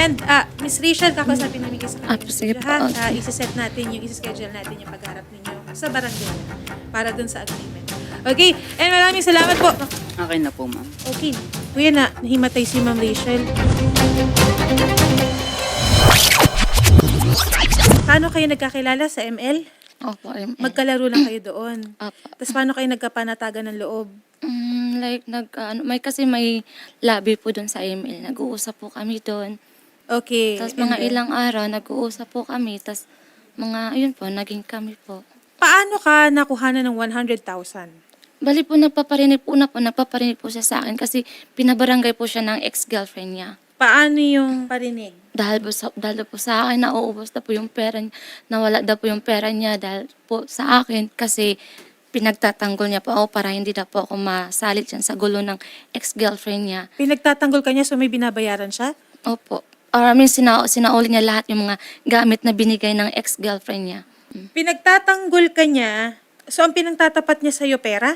And Miss Rachel, kakausapin namin kayo sa kanila. sige po. Isa-set natin yung, isa-schedule natin yung pagharap ninyo sa barangay para dun sa agreement. Okay, and maraming salamat po. Okay na po, ma'am. Okay, kuya na, nahimatay si Ma'am Rachel. Paano kayo nagkakilala sa ML? Opo, Magkalaro lang kayo doon. Opo. Tapos paano kayo nagkapanatagan ng loob? Like, may lobby po doon sa ML. Nag-uusap po kami doon. Okay. Tapos and mga then, ilang araw, nag-uusap po kami. Tapos ayun po, naging kami po. Paano ka nakuhanan ng 100,000? Bali po, nagpaparinig po siya sa akin kasi pinabarangay po siya ng ex-girlfriend niya. Paano yung parinig? Dahil po sa akin, nauubos na po yung pera niya, nawala na po yung pera niya dahil po sa akin kasi pinagtatanggol niya po ako para hindi na po ako masalit yan sa gulo ng ex-girlfriend niya. Pinagtatanggol ka niya so may binabayaran siya? Opo. Sinauli niya lahat yung mga gamit na binigay ng ex-girlfriend niya. Pinagtatanggol ka niya, so ang pinagtatapat niya sa'yo pera?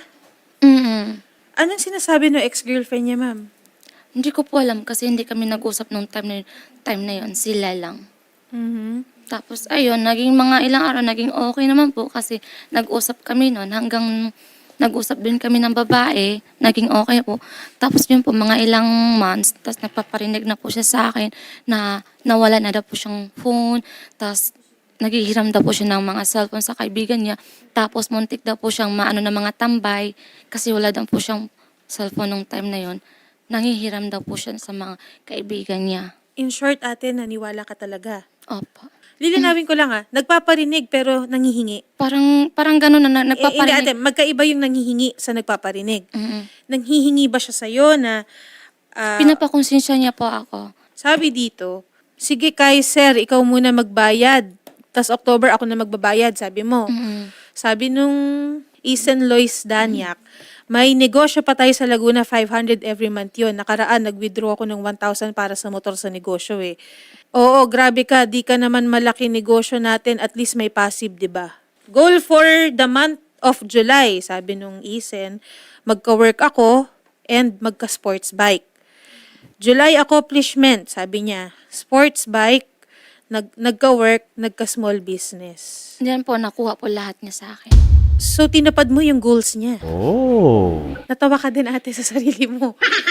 Anong sinasabi ng ex-girlfriend niya, ma'am? Hindi ko po alam kasi hindi kami nag-usap nung time na yun. Sila lang. Tapos ayun, naging mga ilang araw, naging okay naman po kasi nag-usap kami noon hanggang nag-usap din kami ng babae, naging okay po. Tapos yun po, mga ilang months, tapos nagpaparinig na po siya sa akin na nawala na daw po siyang phone, tapos naghihiram daw po siya ng mga cellphone sa kaibigan niya, tapos muntik daw po siyang maano ng mga tambay kasi wala daw po siyang cellphone nung time na yon. Nanghihiram daw po siya sa mga kaibigan niya. In short, ate, naniwala ka talaga. Opo. Lilinawin ko lang nagpaparinig pero nangihingi. Parang gano'n na Hindi nagpaparinig. ate, magkaiba yung nangihingi sa nagpaparinig. Mm-mm. Nanghihingi ba siya sa'yo na Pinapakonsensya niya po ako. sabi dito, sige Kaiser, ikaw muna magbayad. Tas October ako na magbabayad, sabi mo. Mm-mm. Sabi nung Isen Lois Danyak, may negosyo pa tayo sa Laguna, 500 every month yun. Nakaraan, nag-withdraw ako ng 1,000 para sa motor sa negosyo eh. Oo, grabe ka, di ka naman malaki negosyo natin, at least may passive, di ba? Goal for the month of July, sabi nung Isen, magka-work ako and magka-sports bike. July accomplishment, sabi niya, sports bike, nagka-work, nagka-small business. Diyan po, nakuha po lahat niya sa akin. So, tinapad mo yung goals niya. Oh. Natawa ka din ate sa sarili mo.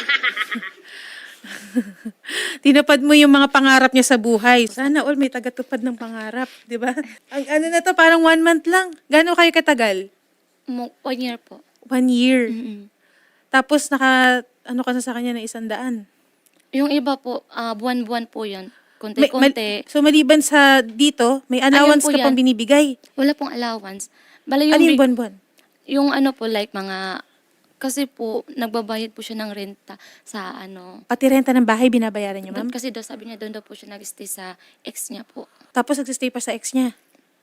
Tinapad mo yung mga pangarap niya sa buhay. Sana all may tagatupad ng pangarap, di ba? Ang ano na to, parang 1 month lang. Gano'n kayo katagal? 1 year po. 1 year. Mm-mm. Tapos ano ka na sa kanya ng 100. Yung iba po, buwan-buwan po yun. Konti-konti. So maliban sa dito, may allowance po ka pang yan. binibigay. Wala pong allowance. Bala Ano yung buwan-buwan? yung ano po, like mga, kasi po, nagbabayad po siya ng renta sa ano. Pati renta ng bahay binabayaran niyo, ma'am? Kasi daw sabi niya, doon daw po siya nag-stay sa ex niya po. Tapos nagsistay pa sa ex niya.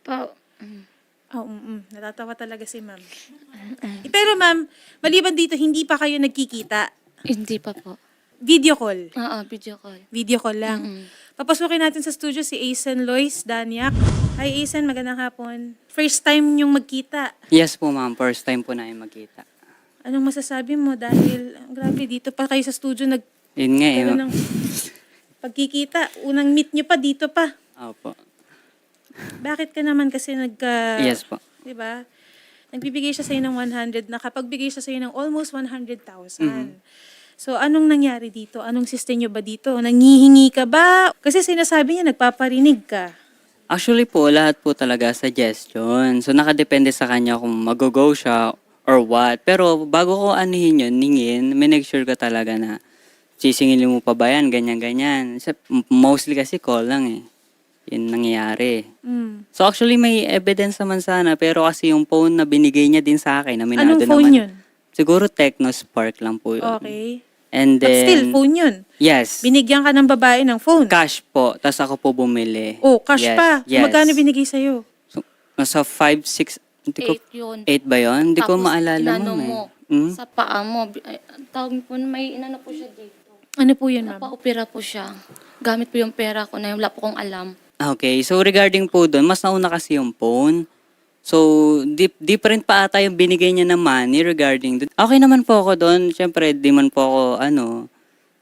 Mm. Natatawa talaga si ma'am. Pero ma'am, maliban dito, hindi pa kayo nagkikita. Hindi pa po. Video call. Oo, video call. Video call lang. Mm-mm. Papasukin natin sa studio si Aisen Lois Danyak. Hi Aisen, magandang hapon. First time yung magkita. Yes po, ma'am. First time po namin magkita. Anong masasabi mo? Dahil, grabe, dito pa kayo sa studio Yun nga eh. ng pagkikita. Unang meet nyo pa, dito pa. Opo. Bakit ka naman kasi Yes po. Diba? Nagbibigay siya sa'yo ng 100, nakapagbigay siya sa'yo ng almost 100,000. So, anong nangyari dito? Anong system nyo ba dito? Nanghihingi ka ba? Kasi sinasabi niya, nagpaparinig ka. Actually po, lahat po talaga suggestion. So, nakadepende sa kanya kung mag-go siya or what. Pero, bago ko anihin yun, ningin, may make sure ka talaga na sisingilin mo pa ba yan, ganyan-ganyan. Mostly kasi call lang eh. Yun nangyayari. So, actually, may evidence naman sana. Pero kasi yung phone na binigay niya din sa akin, aminado Anong phone naman. yun? Siguro Tecno Spark lang po yun. Okay. And But then, still, phone yun. yes. Binigyan ka ng babae ng phone. Cash po. Tapos ako po bumili. Oh, cash Yes, pa. Yes. Magkano binigay sa'yo? So, nasa 5, 6, hindi ko, 8 yun. 8 ba yun? Hindi ko Tapos, maalala inano mo eh. sa paa mo. Tawag po, may inano po siya dito. Ano po yun, ma'am? Napa-opera po siya. Gamit po yung pera ko na wala po kong alam. Okay, so regarding po doon, mas nauna kasi yung phone. So, different pa ata yung binigay niya na money regarding doon. Okay naman po ako doon. Siyempre, di man po ako,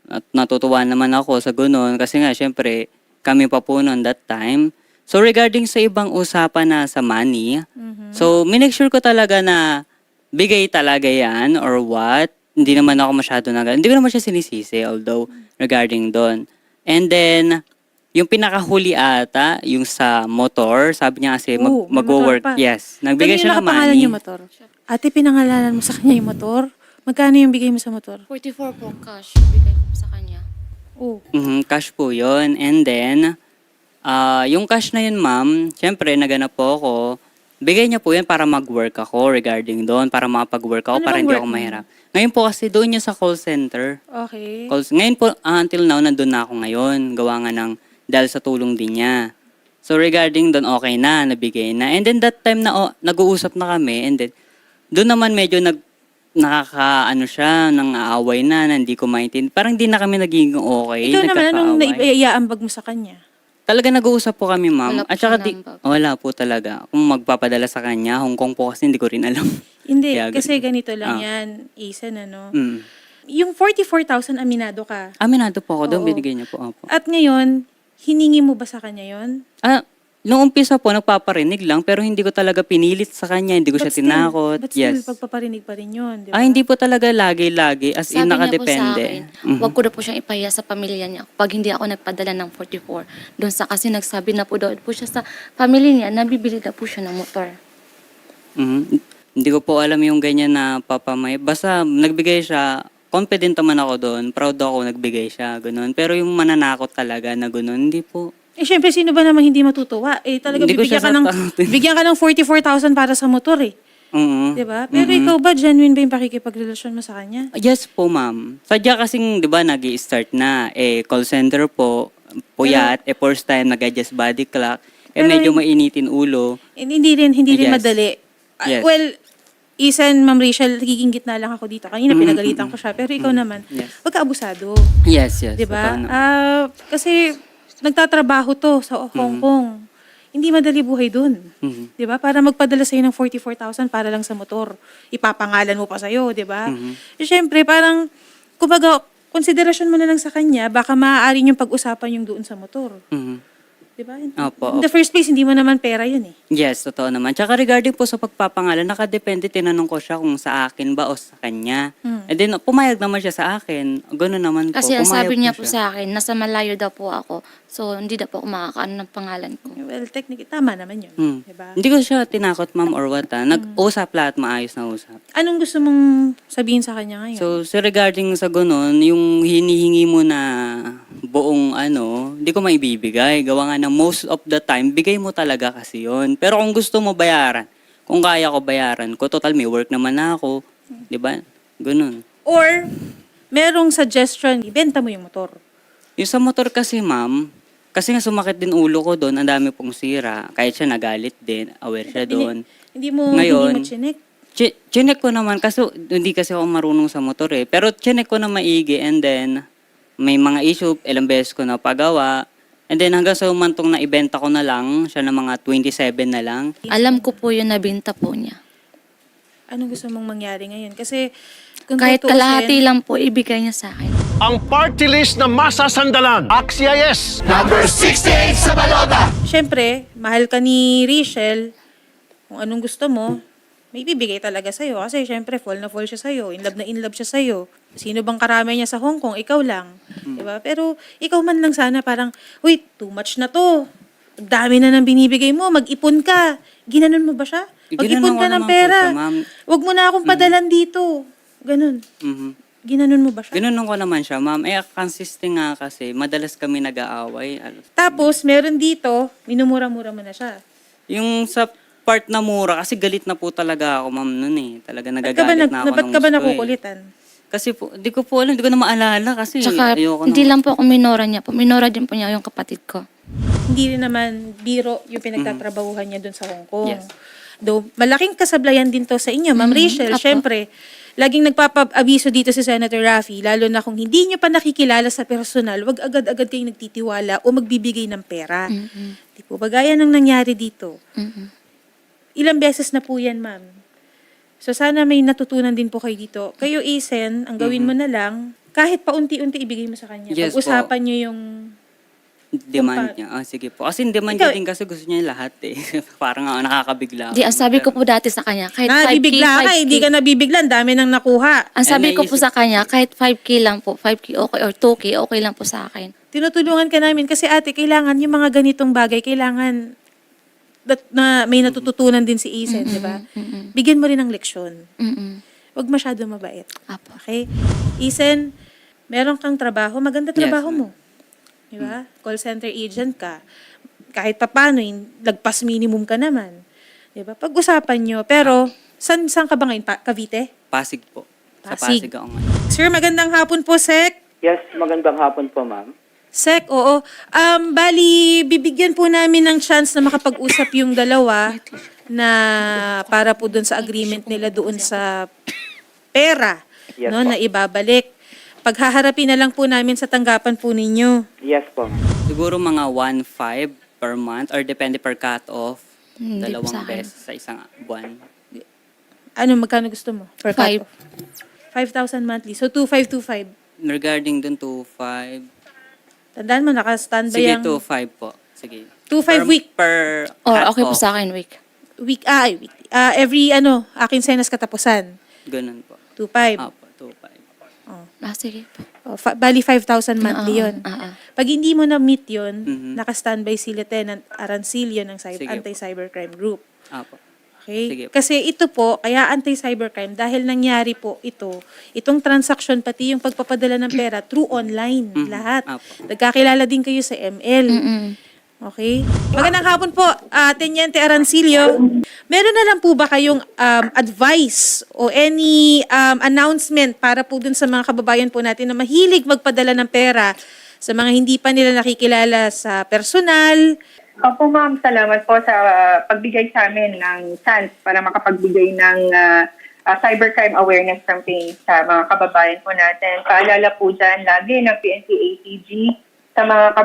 At natutuwa naman ako sa ganun kasi nga syempre kami pa po noon that time. So regarding sa ibang usapan na sa money, so minake sure ko talaga na bigay talaga yan or what. Hindi naman ako masyado hindi ko naman siya sinisisi although regarding doon. And then, yung pinakahuli ata, yung sa motor, sabi niya kasi Oo, may mag-work. motor pa. Yes, nagbigay Kanino siya ng nakapangalan money. yung motor? Ate, pinangalanan mo sa kanya yung motor? Magkano yung bigay mo sa motor? 44 po cash, bigay ko sa kanya. Oh. Cash po yun. And then, yung cash na yun, ma'am, syempre, naganap po ako. Bigay niya po yan para mag-work ako regarding doon, para makapag-work ako, Ano para bang hindi work ako mo? mahirap. Ngayon po kasi doon niya sa call center. Okay. Ngayon po, until now, nandun na ako ngayon. Gawa nga ng, dahil sa tulong din niya. So regarding doon, okay na, nabigay na. And then that time na nag-uusap na kami, and then doon naman medyo nakakaano siya, nang aaway na hindi ko maintindihan. Parang di na kami naging okay, Ikaw naman, anong nagkakaaway. naiaambag mo sa kanya? Talaga nag-uusap po kami, ma'am. Wala po At saka siyang number. wala po talaga. Kung magpapadala sa kanya, Hong Kong po kasi hindi ko rin alam. Hindi, Kaya kasi ganito Ah. lang yan, Ethan, ano? Mm. Yung 44,000 aminado ka. Aminado po ako doon, Oo. binigay niya po. Opo. At ngayon, hiningi mo ba sa kanya yon? Nung umpisa po, nagpaparinig lang, pero hindi ko talaga pinilit sa kanya, hindi ko siya tinakot. But still, Yes. pagpaparinig pa rin yun, di ba? Hindi po talaga lagi-lagi, as in Sabi niya po sa nakadepende. akin, Mhm. wag ko na po siyang ipaya sa pamilya niya pag hindi ako nagpadala ng 44. Doon sa kasi nagsabi na po daw po siya sa family niya, nabibili na po siya ng motor. Mhm. Hindi ko po alam yung ganyan na papamay. Basta nagbigay siya, confident naman ako doon, proud ako nagbigay siya, ganun. Pero yung mananakot talaga na ganun, hindi po. Syempre, sino ba namang hindi matutuwa? Talaga Hindi ko bibigyan siya ka ng, sasaktin. bigyan ka ng 44,000 para sa motor eh. Mhm. Di ba? Pero ikaw ba, genuine ba yung pakikipagrelasyon mo sa kanya? Yes po, ma'am. Sadya kasing, di ba, nag-i-start na. Call center po, puyat, first time nag-adjust body clock. Pero Medyo mainitin ulo. Hindi rin Yes. madali. Yes. Well, Isan, Ma'am Rachel, nagiging gitna lang ako dito. Kanina pinagalitan ko siya. Pero ikaw naman, Yes. wag ka abusado. Yes, yes. Di ba? totoo naman. Kasi nagtatrabaho to sa Hong Kong. Hindi madali buhay dun. Mhm. Di ba? Para magpadala sa'yo ng 44,000 para lang sa motor. Ipapangalan mo pa sa'yo, di ba? Siyempre, parang, kumbaga, konsiderasyon mo na lang sa kanya, baka maaari yung pag-usapan yung doon sa motor. Mhm. Di ba? Opo, In the first place, hindi mo naman pera yun eh. Yes, totoo naman. Tsaka regarding po sa pagpapangalan, nakadepende, tinanong ko siya kung sa akin ba o sa kanya. And then, pumayag naman siya sa akin. Gano'n naman po. Kasi ang Pumayag sabi po niya po siya. sa akin, nasa malayo daw po ako. So, hindi daw po ako makakaano ng pangalan ko. Well, technically, tama naman yun. Di ba? Hindi ko siya tinakot, ma'am, or what. Nag-usap lahat, maayos na usap. Anong gusto mong sabihin sa kanya ngayon? So regarding sa ganun, yung hinihingi mo na buong hindi ko maibibigay. Gawa nga na most of the time, bigay mo talaga kasi yon. Pero kung gusto mo bayaran, kung kaya ko bayaran ko, total may work naman na ako. Di ba? Ganun. Or, merong suggestion, ibenta mo yung motor. Yung sa motor kasi, ma'am, kasi nga sumakit din ulo ko doon, ang dami pong sira. Kahit siya nagalit din, aware siya doon. Hindi mo Ngayon, chinek. Chinek ko naman, kasi hindi kasi ako marunong sa motor eh. Pero chinek ko na maigi and then may mga issue, ilang beses ko na pagawa. And then hanggang sa umantong na ibenta ko na lang, siya na mga 27 na lang. Alam ko po yung nabinta po niya. Anong gusto mong mangyari ngayon? Kasi, kung Kahit tutuusin, kalahati lang po, ibigay niya sa akin. Ang party list na masasandalan. Axia yes. syempre, mahal ka ni Rachel, kung anong gusto mo, may bibigay talaga sa'yo. Kasi syempre, fall na fall siya sa'yo. In love siya sa'yo. Sino bang karami niya sa Hong Kong? Ikaw lang. Diba? Pero ikaw man lang sana parang, wait, too much na to. Ang dami na nang binibigay mo. Mag-ipon ka. Ginanon mo ba siya? Ginanon Mag-ipon ko ka ng naman po pera. siya, ma'am. Huwag mo na akong padalan dito. Ganun. Mhm. Ginanon mo ba siya? Ginunong ko naman siya, ma'am. Consistent nga kasi, madalas kami nag-aaway. Tapos, meron dito, minumura-mura mo na siya. Yung sa part na mura, kasi galit na po talaga ako, ma'am, nun eh. Talaga Ba't ka ba, nagagalit na ako ba't ng ka ba gusto eh. nakukulitan? Kasi po, di ko po alam, di ko na maalala kasi Tsaka, ayoko hindi na. lang po ako minora niya po. Minora din po niya yung kapatid ko. Hindi rin naman biro yung pinagtatrabahuhan niya dun sa Hong Kong. Yes. Though, malaking kasablayan din to sa inyo, Ma'am Rachel. Apo. Syempre, laging nagpapaabiso dito si Senator Raffy, lalo na kung hindi niyo pa nakikilala sa personal, wag agad-agad kayong nagtitiwala o magbibigay ng pera. Di po ba gaya ng nangyari dito? Ilang beses na po yan, ma'am. So sana may natutunan din po kayo dito. Kayo, Isen, ang gawin mo na lang, kahit paunti-unti ibigay mo sa kanya. Yes po. Pag-usapan nyo yung... Demand niya. Sige po. Kasi demand Ikaw- niya din kasi gusto niya lahat eh. Parang nakakabigla. Di, ang sabi ko po dati sa kanya, kahit 5K, Nabibigla ka, 5K. hindi ka nabibigla. Ang dami nang nakuha. Ang sabi Eh, ko po naisip- sa kanya, kahit 5K lang po, 5K okay, or 2K, okay lang po sa akin. Tinutulungan ka namin kasi ate, kailangan yung mga ganitong bagay, kailangan na may natututunan din si Isen, di ba? Bigyan mo rin ng leksyon. Mm-mm. Huwag masyado mabait. Apo. Okay? Isen, meron kang trabaho, maganda trabaho Yes, mo. Di ba? Call center agent ka. Kahit papano, lagpas minimum ka naman. Di ba? Pag-usapan nyo. Pero, saan ka ba ngayon? Cavite? Pasig po. Sa Pasig. Pasig ako ngayon. Sir, magandang hapon po, Sek. Yes, magandang hapon po, ma'am. Sek, oo. Bali, bibigyan po namin ng chance na makapag-usap yung dalawa na para po doon sa agreement nila doon sa pera, Yes, no, po. na ibabalik. Paghaharapin na lang po namin sa tanggapan po ninyo. Yes po, ma'am. Siguro mga 1.5 per month or depende per cut-off. Hindi po Dalawang sa akin. beses sa isang buwan. Ano, magkano gusto mo? Per Five. cut? 5,000 monthly. So, 2,525. Regarding dun 2.5. Tandaan mo, naka-standby Sige, ang 2.5 po. Sige. 2.5 week. Per Or okay po cut-off. sa akin, week. weekly. Every, akin senas katapusan. Ganun po. 2,500. Apo, 2.5. Sige po. Bali, 5,000 monthly yun. Oo. Pag hindi mo na-meet yun, Mhm. naka-standby si Lieutenant Arancilio ng Sige po. Anti-Cybercrime Group. Apo. Okay? Sige po. Kasi ito po, kaya anti-cybercrime, dahil nangyari po itong transaction, pati yung pagpapadala ng pera, through online, lahat. Apo. Nagkakilala din kayo sa ML. Okay? Magandang hapon po, Teniente Arancilio. Meron na lang po ba kayong advice o any announcement para po dun sa mga kababayan po natin na mahilig magpadala ng pera sa mga hindi pa nila nakikilala sa personal? Opo ma'am, salamat po sa pagbigay sa amin ng chance para makapagbigay ng cybercrime awareness campaign sa mga kababayan po natin. Paalala po dyan lagi ng PNP ATG sa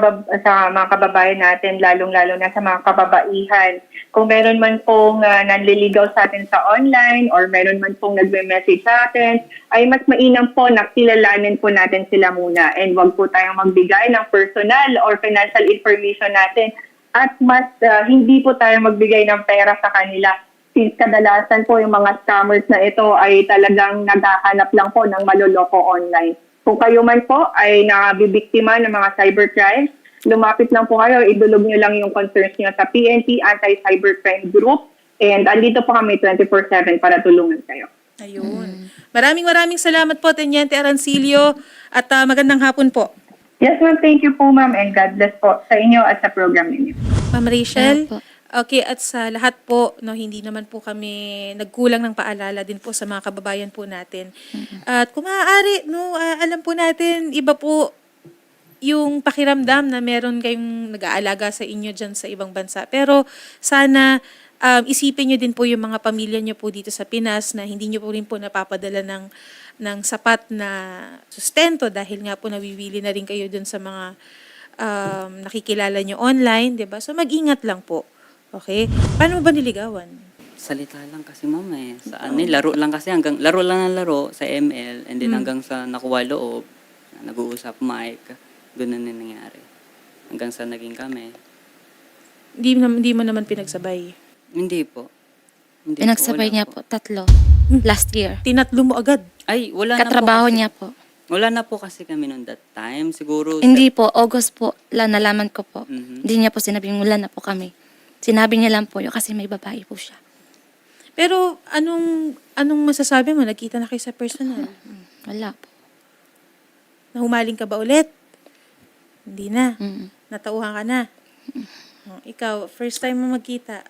mga kababayan natin, lalong-lalo na sa mga kababaihan. Kung meron man pong nanliligaw sa atin sa online or meron man pong nagme-message sa atin, ay mas mainam po na kilalanin po natin sila muna and wag po tayong magbigay ng personal or financial information natin at mas hindi po tayo magbigay ng pera sa kanila. Since kadalasan po yung mga scammers na ito ay talagang naghahanap lang po ng maloloko online. Kung kayo man po ay nabibiktima ng mga cybercrime, lumapit lang po kayo, idulog nyo lang yung concerns nyo sa PNP Anti-Cybercrime Group and andito po kami 24/7 para tulungan kayo. Ayun. Maraming salamat po, Teniente Arancilio, at magandang hapon po. Yes ma'am, thank you po ma'am and God bless po sa inyo at sa program ninyo. Ma'am Rachel. Opo. Okay, at sa lahat po, no, hindi naman po kami nagkulang ng paalala din po sa mga kababayan po natin. At kung maaari, no, alam po natin, iba po yung pakiramdam na meron kayong nag-aalaga sa inyo dyan sa ibang bansa. Pero sana isipin nyo din po yung mga pamilya nyo po dito sa Pinas na hindi nyo po rin po napapadala ng sapat na sustento dahil nga po nawiwili na rin kayo dun sa mga nakikilala nyo online, di ba? So mag-ingat lang po. Okay? Paano mo ba niligawan? Salita lang kasi ma'am eh. Sa laro lang kasi laro lang ng laro sa ML and then hanggang sa nakuha loob, nag-uusap mic, ganun na nangyari. Hanggang sa naging kami. Hindi mo naman pinagsabay. Hindi po. Hindi Pinagsabay wala niya po, 3. Last year. Tinatlo mo agad. Ay, wala Katrabaho na po kasi. niya po. Wala na po kasi kami noon that time. Siguro Hindi po, August po, nalaman ko po. Mhm. Hindi niya po sinabing wala na po kami. Sinabi niya lang po yun kasi may babae po siya. Pero anong masasabi mo? Nagkita na kayo sa personal? Wala po. Nahumaling ka ba ulit? Hindi na. Mm. Natauhan ka na. Ikaw, first time mo magkita.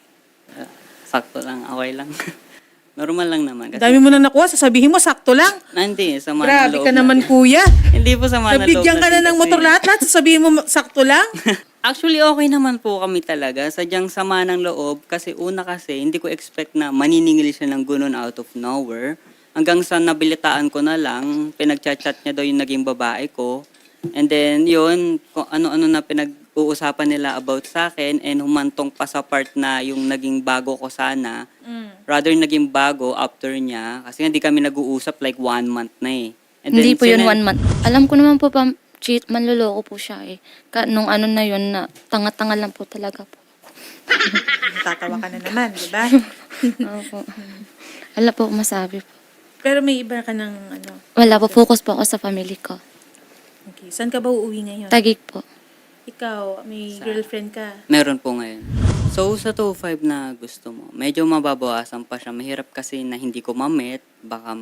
sakto lang, okay lang. Normal lang naman. Kasi, Dami mo na nakuha, sasabihin mo, sakto lang. Hindi, sama ng Grabe loob ka naman, natin. kuya. Hindi po sama ng loob Nabigyan ka na natin ng kasi. motor lahat, sasabihin mo, sakto lang. Actually, okay naman po kami talaga. Sadyang sama ng loob. Kasi una kasi, hindi ko expect na maniningil siya ng gunon out of nowhere. Hanggang sa nabilitaan ko na lang, pinag-chat niya daw yung naging babae ko. And then, yun, kung ano-ano na pinag-uusapan nila about sa akin and humantong pa sa part na yung naging bago ko sana. Rather, naging bago after niya. Kasi hindi kami nag-uusap like 1 month na eh. And Hindi then po yun sinend- 1 month. Alam ko naman po pa, cheat, manloloko po siya eh. Nung ano na yun na tanga-tanga lang po talaga po. Tatawa ka na naman, di ba? Opo. Wala po akong masabi po. Pero may iba ka ng ano. Wala po, focus po ako sa family ko. Okay. Saan ka ba uuwi ngayon? Tagig po. Ikaw, may girlfriend ka. Meron po ngayon. So, sa 2.5 na gusto mo, medyo mababawasan pa siya. Mahirap kasi na hindi ko ma-met. Baka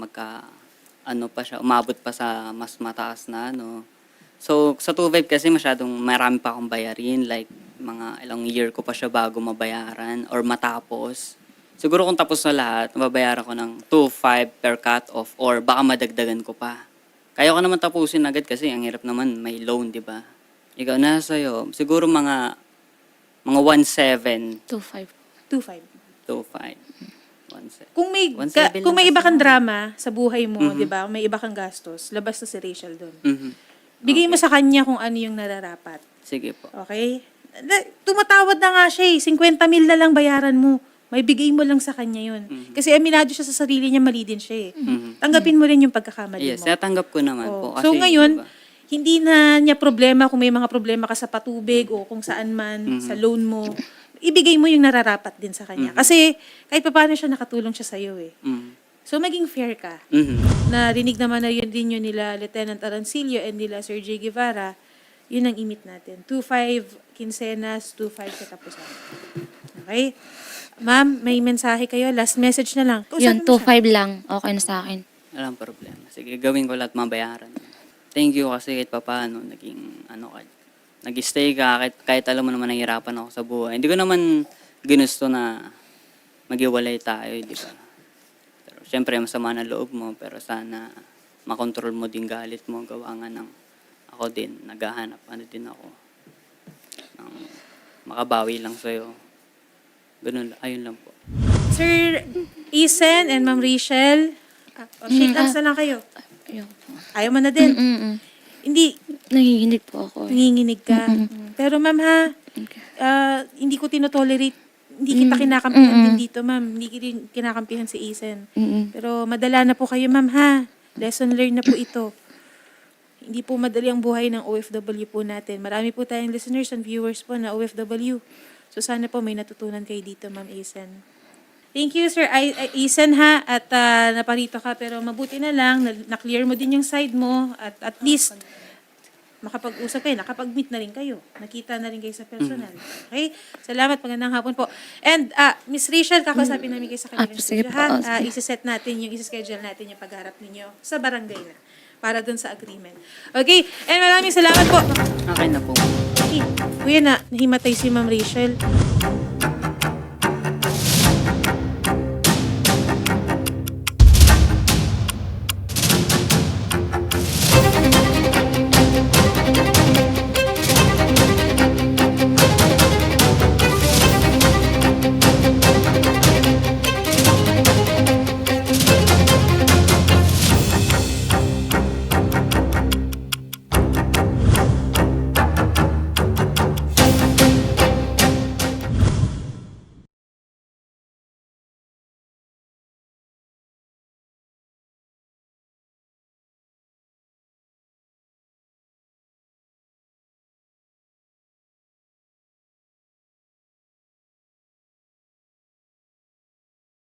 pa siya, umabot pa sa mas mataas na ano. So, sa 2.5 kasi masyadong marami pa akong bayarin. Like, mga ilang year ko pa siya bago mabayaran or matapos. Siguro kung tapos na lahat, mababayaran ko ng 2.5 per cut-off or baka madagdagan ko pa. Kaya ko naman tapusin agad kasi ang hirap naman, may loan, di ba? Ikaw, nasa sa'yo. Siguro mga 1.7, 2.5. 2.5. 2.5. 1.7. Kung may 1.7 kung may lang iba kasi kang ako. drama sa buhay mo, 'di ba? May iba kang gastos, labas na si Rachel doon. Mhm. Bigay mo Okay. sa kanya kung ano yung nararapat. Sige po. Okay? Tumatawad na nga siya eh. 50,000 na lang bayaran mo. May bigay mo lang sa kanya yun. Kasi aminado siya sa sarili niya, mali din siya eh. Mhm. Tanggapin mo rin yung pagkakamali Yes, mo. natanggap ko naman Oh. po. Kasi, So ngayon, diba, hindi na niya problema kung may mga problema ka sa patubig o kung saan man, sa loan mo. Ibigay mo yung nararapat din sa kanya. Kasi kahit pa paano siya, nakatulong siya sa'yo eh. mhm. So maging fair ka. Mhm. Narinig naman na yun din yun nila Lieutenant Arancilio and nila Sir J. Guevara. Yun ang imit natin. 2.5 quincenas, 2.5 katapusan. Okay? Ma'am, may mensahe kayo. Last message na lang. Yun, Kausapin mo siya. 2.5 lang. Okay na sa akin. Walang problema. Sige, gawin ko lahat mabayaran. Thank you kasi kahit papaano, nag-stay ka, kahit alam mo naman nahihirapan ako sa buhay. Hindi ko naman ginusto na maghiwalay tayo, di ba? Pero syempre, masama na loob mo, pero sana makontrol mo din galit mo, gawa nga ng ako din, naghahanap, din ako, ng makabawi lang sa'yo. Ganun, ayun lang po. Sir Isen and Ma'am Rachel, shake hands na lang kayo. Ayoko po. Ayaw mo na din. Hindi, Nanginginig po ako eh. nanginginig ka. Pero ma'am ha, hindi ko tinotolerate, hindi kita kinakampihan din dito ma'am. Hindi kita kinakampihan si Isen. Pero madala na po kayo ma'am ha. Lesson learned na po ito. Hindi po madali ang buhay ng OFW po natin. Marami po tayong listeners and viewers po na OFW. So sana po may natutunan kayo dito ma'am Isen. Thank you Sir Isen ha. At naparito ka pero mabuti na lang. Na-clear mo din yung side mo. At least makapag-usap kayo, nakapag-meet na rin kayo. Nakita na rin kayo sa personal. Okay? Salamat, magandang hapon po. And Miss Rachel, kakausapin namin kayo sa kanilang sige studio, po. ha? Isa-set natin yung isa-schedule natin yung pagharap ninyo sa barangay na para dun sa agreement. Okay? And maraming salamat po. Okay na po. Okay. Kuya na, nahimatay si Ma'am Rachel.